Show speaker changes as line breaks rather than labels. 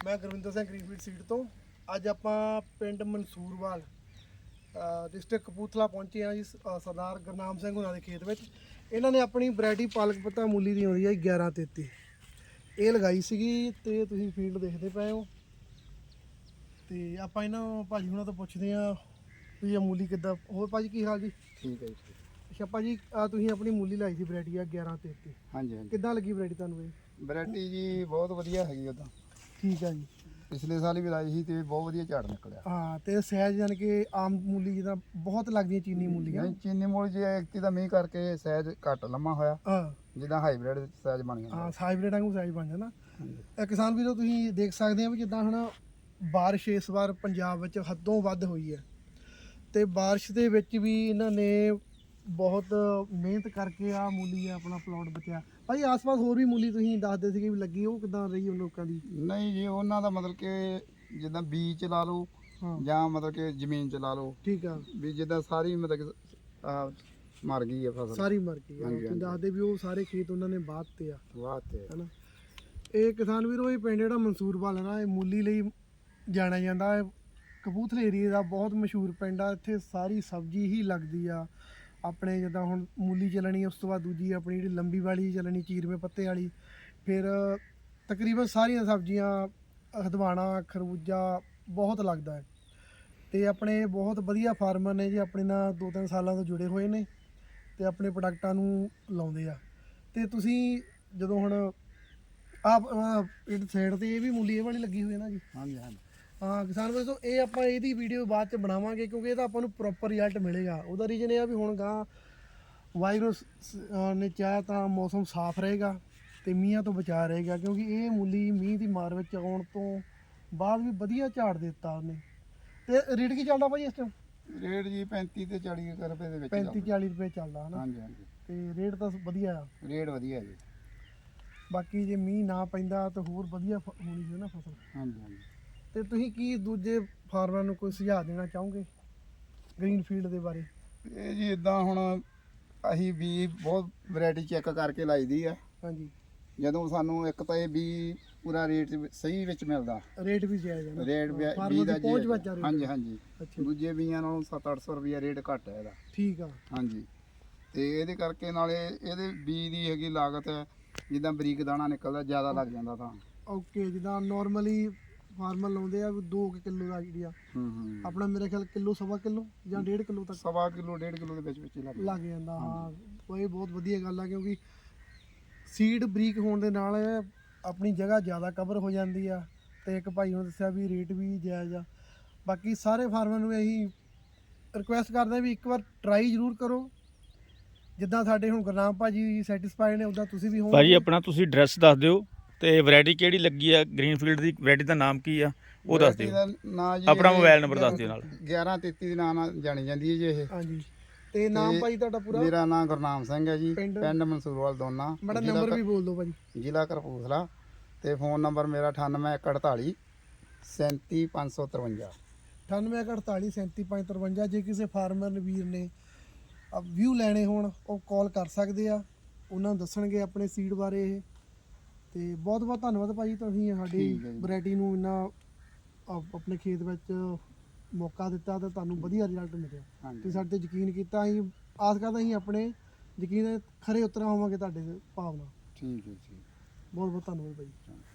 ਮੈਂ Gurvinder Singh Greenfield seed ਤੋਂ ਅੱਜ ਆਪਾਂ ਪਿੰਡ ਮਨਸੂਰਵਾਲ ਡਿਸਟ੍ਰਿਕਟ ਕਪੂਰਥਲਾ ਪਹੁੰਚੇ ਆ ਜੀ। ਸਰਦਾਰ ਗੁਰਨਾਮ ਸਿੰਘ ਉਹਨਾਂ ਦੇ ਖੇਤ ਵਿੱਚ ਇਹਨਾਂ ਨੇ ਆਪਣੀ ਵੈਰਾਈਟੀ ਪਾਲਕ ਪੱਤਾ ਮੂਲੀ ਦੀ ਆਉਂਦੀ ਹੈ 1133 ਇਹ ਲਗਾਈ ਸੀਗੀ ਤੇ ਤੁਸੀਂ ਫੀਲਡ ਦੇਖਦੇ ਪਏ ਹੋ। ਤੇ ਆਪਾਂ ਇਹਨਾਂ ਭਾਜੀ ਹੁਣਾਂ ਤੋਂ ਪੁੱਛਦੇ ਆ ਵੀ ਇਹ ਮੂਲੀ ਕਿੱਦਾਂ। ਹੋਰ ਭਾਜੀ ਕੀ ਹਾਲ ਜੀ?
ਠੀਕ ਹੈ ਜੀ।
ਅੱਛਾ ਭਾਜੀ ਤੁਸੀਂ ਆਪਣੀ ਮੂਲੀ ਲਾਈ ਸੀ ਵੈਰਾਈਟੀ ਆ 1133।
ਹਾਂਜੀ ਹਾਂਜੀ।
ਕਿੱਦਾਂ ਲੱਗੀ ਵੈਰਾਈਟੀ ਤੁਹਾਨੂੰ ਇਹ?
ਵੈਰਾਈਟੀ ਜੀ ਬਹੁਤ ਵਧੀਆ ਹੈਗੀ ਉਦਾਂ।
ਠੀਕ ਆ ਜੀ।
ਪਿਛਲੇ ਸਾਲ ਵੀ ਲਾਈ ਸੀ ਤੇ ਬਹੁਤ ਵਧੀਆ ਝਾੜ ਨਿਕਲਿਆ।
ਹਾਂ ਤੇ ਸਾਈਜ਼ ਯਾਨੀ ਕਿ ਆਮ ਮੂਲੀ ਜਿੱਦਾਂ ਬਹੁਤ ਲੱਗਦੀਆਂ ਚੀਨੀ ਮੂਲੀਆਂ।
ਨਹੀਂ ਚੀਨੀ ਮੂਲੀ ਜੇ ਐਕਤੀ ਦਾ ਮੀਂਹ ਕਰਕੇ ਸਾਈਜ਼ ਘੱਟ ਲੰਮਾ ਹੋਇਆ।
ਹਾਂ
ਜਿੱਦਾਂ ਹਾਈਬ੍ਰਿਡ ਸਾਈਜ਼ ਬਣ ਗਿਆ।
ਹਾਂ ਹਾਈਬ੍ਰਿਡ ਵਾਂਗੂ ਸਾਈਜ਼ ਬਣ ਜਾਂਦਾ। ਕਿਸਾਨ ਵੀਰੋ ਤੁਸੀਂ ਦੇਖ ਸਕਦੇ ਆ ਵੀ ਜਿੱਦਾਂ ਹੁਣ ਬਾਰਿਸ਼ ਇਸ ਵਾਰ ਪੰਜਾਬ ਵਿੱਚ ਹੱਦੋਂ ਵੱਧ ਹੋਈ ਹੈ ਤੇ ਬਾਰਿਸ਼ ਦੇ ਵਿੱਚ ਵੀ ਇਹਨਾਂ ਨੇ ਬਹੁਤ ਮਿਹਨਤ ਕਰਕੇ ਆ ਮੂਲੀ ਆਪਣਾ ਪਲਾਟ ਬਚਿਆ। ਭਾਈ ਆਸ-ਪਾਸ ਹੋਰ ਵੀ ਮੂਲੀ ਤੁਸੀਂ ਦੱਸਦੇ ਸੀਗੇ ਵੀ ਲੱਗੀ, ਉਹ ਕਿੱਦਾਂ ਰਹੀ ਉਹਨਾਂ ਲੋਕਾਂ ਦੀ?
ਨਹੀਂ ਜੀ ਉਹਨਾਂ ਦਾ ਮਤਲਬ ਕਿ ਜਿੱਦਾਂ ਬੀਜ ਚ ਲਾ ਲਓ ਜਾਂ ਮਤਲਬ ਕਿ ਜ਼ਮੀਨ ਚ ਲਾ ਲਓ। ਠੀਕ ਆ ਵੀ ਜਿੱਦਾਂ ਸਾਰੀ ਮਤਲਬ ਕਿ ਮਰ ਗਈ ਆ ਫਸਲ, ਸਾਰੀ ਮਰ ਗਈ। ਤੁਸੀਂ ਦੱਸਦੇ ਵੀ ਉਹ ਸਾਰੇ ਖੇਤ ਉਹਨਾਂ ਨੇ ਵਾਹਤੇ ਆ ਹਨਾ। ਇਹ ਕਿਸਾਨ ਵੀਰੋ ਇਹ ਪਿੰਡ ਜਿਹੜਾ ਮਨਸੂਰਵਾਲ ਹੈ ਨਾ, ਇਹ ਮੂਲੀ ਲਈ ਜਾਣਿਆ ਜਾਂਦਾ ਹੈ। ਕਪੂਰਥਲੇ ਏਰੀਏ ਦਾ ਬਹੁਤ ਮਸ਼ਹੂਰ ਪਿੰਡ ਆ। ਇੱਥੇ ਸਾਰੀ ਸਬਜ਼ੀ ਹੀ ਲੱਗਦੀ ਆ। ਆਪਣੇ ਜਿੱਦਾਂ ਹੁਣ ਮੂਲੀ ਚੱਲਣੀ, ਉਸ ਤੋਂ ਬਾਅਦ ਦੂਜੀ ਆਪਣੀ ਜਿਹੜੀ ਲੰਬੀ ਵਾਲੀ ਚੱਲਣੀ ਚੀਰਵੇਂ ਪੱਤੇ ਵਾਲੀ, ਫਿਰ ਤਕਰੀਬਨ ਸਾਰੀਆਂ ਸਬਜ਼ੀਆਂ, ਹਦਵਾਣਾ, ਖਰਬੂਜਾ ਬਹੁਤ ਲੱਗਦਾ ਹੈ। ਤੇ ਆਪਣੇ ਬਹੁਤ ਵਧੀਆ ਫਾਰਮਰ ਨੇ ਜੀ, ਆਪਣੇ ਨਾਲ 2-3 ਸਾਲਾਂ ਤੋਂ ਜੁੜੇ ਹੋਏ ਨੇ ਤੇ ਆਪਣੇ ਪ੍ਰੋਡਕਟਾਂ ਨੂੰ ਲਾਉਂਦੇ ਆ। ਤੇ ਤੁਸੀਂ ਜਦੋਂ ਹੁਣ ਆਪ ਇਹ ਸਾਈਡ ਤੇ ਇਹ ਵੀ ਮੂਲੀ ਇਹ ਵਾਲੀ ਲੱਗੀ ਹੋਈ ਹੈ ਨਾ ਜੀ? ਹਾਂਜੀ ਹਾਂਜੀ। ਹਾਂ ਕਿਸਾਨ ਵੀਰੋ ਇਹ ਆਪਾਂ ਇਹਦੀ ਵੀਡੀਓ ਬਾਅਦ ਚ ਬਣਾਵਾਂਗੇ ਕਿਉਂਕਿ ਇਹਦਾ ਆਪਾਂ ਨੂੰ ਪ੍ਰੋਪਰ ਰਿਜ਼ਲਟ ਮਿਲੇਗਾ। ਉਹਦਾ ਰੀਜ਼ਨ ਇਹ ਆ ਵੀ ਹੁਣ ਗਾਂ ਵਾਇਰਸ ਨੇ ਚਾਹਿਆ ਤਾਂ ਮੌਸਮ ਸਾਫ਼ ਰਹੇਗਾ ਤੇ ਮੀਂਹਾਂ ਤੋਂ ਬਚਾ ਰਹੇਗਾ, ਕਿਉਂਕਿ ਇਹ ਮੂਲੀ ਮੀਂਹ ਦੀ ਮਾਰ ਵਿੱਚ ਆਉਣ ਤੋਂ ਬਾਅਦ ਵੀ ਵਧੀਆ ਝਾੜ ਦਿੱਤਾ ਉਹਨੇ। ਤੇ ਰੇਟ ਕੀ ਚੱਲਦਾ ਭਾਜੀ ਇਸ ਟਾਈਮ? ਰੇਟ ਜੀ 35 ਤੇ 40 ਰੁਪਏ ਦੇ ਵਿੱਚ।
35-40 ਰੁਪਏ ਚੱਲਦਾ ਹੈ ਨਾ? ਹਾਂਜੀ ਹਾਂਜੀ। ਤੇ ਰੇਟ ਤਾਂ ਵਧੀਆ ਆ? ਰੇਟ ਵਧੀਆ ਜੀ। ਬਾਕੀ ਜੇ ਮੀਂਹ ਨਾ ਪੈਂਦਾ ਤਾਂ ਹੋਰ ਵਧੀਆ ਹੋਣੀ ਸੀ ਨਾ ਫਸਲ। ਹਾਂਜੀ ਹਾਂਜੀ। ਤੇ ਤੁਸੀਂ ਕੀ ਦੂਜੇ ਫਾਰਮਰਾਂ ਨੂੰ ਕੋਈ ਸੁਝਾਅ ਦੇਣਾ ਚਾਹੋਗੇ ਗ੍ਰੀਨਫੀਲਡ ਦੇ ਬਾਰੇ?
ਇਹ ਜੀ ਇਦਾਂ ਹੁਣ ਅਸੀਂ ਵੀ ਬਹੁਤ ਵੈਰਾਈਟੀ ਚੈੱਕ ਕਰਕੇ ਲਾਈਦੀ ਆ। ਹਾਂਜੀ। ਜਦੋਂ ਸਾਨੂੰ ਇੱਕ ਤਾਂ ਇਹ ਵੀ ਪੂਰਾ ਰੇਟ ਸਹੀ ਵਿੱਚ ਮਿਲਦਾ, ਰੇਟ ਵੀ ਜਾਇਜ਼ ਹੈ, ਰੇਟ ਵੀ ਦਾ ਜਾਇਜ਼। ਹਾਂਜੀ ਹਾਂਜੀ। ਦੂਜੇ ਬੀਆਂ ਨਾਲੋਂ 700-800 ਰੁਪਇਆ ਰੇਟ ਘੱਟ ਹੈ ਇਹਦਾ। ਠੀਕ ਆ। ਹਾਂਜੀ। ਤੇ ਇਹਦੇ ਕਰਕੇ ਨਾਲੇ ਇਹਦੇ ਬੀਜ ਦੀ ਹੈਗੀ ਲਾਗਤ ਹੈ, ਜਿੱਦਾਂ ਬਰੀਕ ਦਾਣਾ ਨਿਕਲਦਾ ਜ਼ਿਆਦਾ ਲੱਗ ਜਾਂਦਾ ਤਾਂ। ਓਕੇ। ਜਿੱਦਾਂ ਨਾਰਮਲੀ ਫਾਰਮਰ ਲਾਉਂਦੇ ਆ 2 ਕਿਲੋ ਦਾ ਆਈਡੀਆ, ਆਪਣਾ ਮੇਰੇ ਖਿਆਲ ਕਿਲੋ, ਸਵਾ ਕਿਲੋ ਜਾਂ 1.5 ਕਿਲੋ ਤੱਕ। ਸਵਾ ਕਿਲੋ 1.5 ਕਿਲੋ ਦੇ ਵਿੱਚ ਹੀ ਲੱਗ ਜਾਂਦਾ। ਹਾਂ ਇਹ ਬਹੁਤ ਵਧੀਆ ਗੱਲ ਆ, ਕਿਉਂਕਿ ਸੀਡ ਬਰੀਕ ਹੋਣ ਦੇ ਨਾਲ ਆਪਣੀ ਜਗ੍ਹਾ ਜ਼ਿਆਦਾ ਕਵਰ ਹੋ ਜਾਂਦੀ ਆ। ਤੇ ਇੱਕ ਭਾਈ ਨੂੰ ਦੱਸਿਆ ਵੀ ਰੇਟ ਵੀ ਜਾਇਜ਼ ਆ। ਬਾਕੀ ਸਾਰੇ ਫਾਰਮਰ ਨੂੰ ਇਹੀ ਰਿਕੁਐਸਟ ਕਰਦੇ ਵੀ ਇੱਕ ਵਾਰ ਟਰਾਈ ਜ਼ਰੂਰ ਕਰੋ। ਜਿੱਦਾਂ ਸਾਡੇ ਹੁਣ ਗੁਰਨਾਮ ਭਾਜੀ ਸੈਟੀਸਫਾਈਡ ਨੇ, ਉੱਦਾਂ ਤੁਸੀਂ ਵੀ ਹੋ ਭਾਜੀ। ਆਪਣਾ ਤੁਸੀਂ ਐਡਰੈਸ ਦੱਸ ਦਿਓ ਤੇ ਵੈਰਾਈਟੀ ਕਿਹੜੀ ਲੱਗੀ ਆ ਗ੍ਰੀਨਫੀਲਡ ਦੀ, ਵੈਰਾਈਟੀ ਦਾ ਨਾਮ ਕੀ ਆ ਉਹ ਦੱਸ ਦਿਓ। ਆਪਣਾ ਮੋਬਾਈਲ ਨੰਬਰ ਦੱਸ ਦਿਓ ਨਾਲ। 1133 ਦੇ ਨਾਂ ਨਾਲ ਜਾਣੀ ਜਾਂਦੀ ਹੈ ਜੀ ਇਹ। ਹਾਂਜੀ। ਤੇ ਨਾਮ ਭਾਈ ਤੁਹਾਡਾ ਪੂਰਾ? ਮੇਰਾ ਨਾਮ ਗੁਰਨਾਮ ਸਿੰਘ ਹੈ ਜੀ, ਪਿੰਡ ਮਨਸੂਰਵਾਲ ਦੋਨਾ। ਮੇਰਾ ਨੰਬਰ ਵੀ ਬੋਲ ਦਿਓ ਭਾਜੀ। ਜ਼ਿਲ੍ਹਾ ਕਪੂਰਥਲਾ ਤੇ ਫੋਨ ਨੰਬਰ ਮੇਰਾ 981448 37553। 981448 37553। ਜੇ ਕਿਸੇ ਫਾਰਮਰ ਵੀਰ ਨੇ ਵਿਊ ਲੈਣੇ ਹੋਣ ਉਹ ਕਾਲ ਕਰ ਸਕਦੇ ਆ, ਉਹਨਾਂ ਨੂੰ ਦੱਸਣਗੇ ਆਪਣੇ ਸੀਡ ਬਾਰੇ ਇਹ। ਤੇ ਬਹੁਤ ਬਹੁਤ ਧੰਨਵਾਦ ਭਾਜੀ, ਤੁਸੀਂ ਸਾਡੀ ਵੈਰਾਈਟੀ ਨੂੰ ਇੰਨਾ ਆਪਣੇ ਖੇਤ ਵਿੱਚ ਮੌਕਾ ਦਿੱਤਾ ਤੇ ਤੁਹਾਨੂੰ ਵਧੀਆ ਰਿਜ਼ਲਟ ਮਿਲਿਆ। ਤੁਸੀਂ ਸਾਡੇ ਤੇ ਯਕੀਨ ਕੀਤਾ, ਅਸੀਂ ਆਸ ਕਰਦਾ ਅਸੀਂ ਆਪਣੇ ਯਕੀਨ ਖਰੇ ਉਤਰਾ ਹੋਵਾਂਗੇ ਤੁਹਾਡੇ ਭਾਵਨਾ। ਠੀਕ ਹੈ ਜੀ। ਬਹੁਤ ਬਹੁਤ ਧੰਨਵਾਦ ਭਾਜੀ।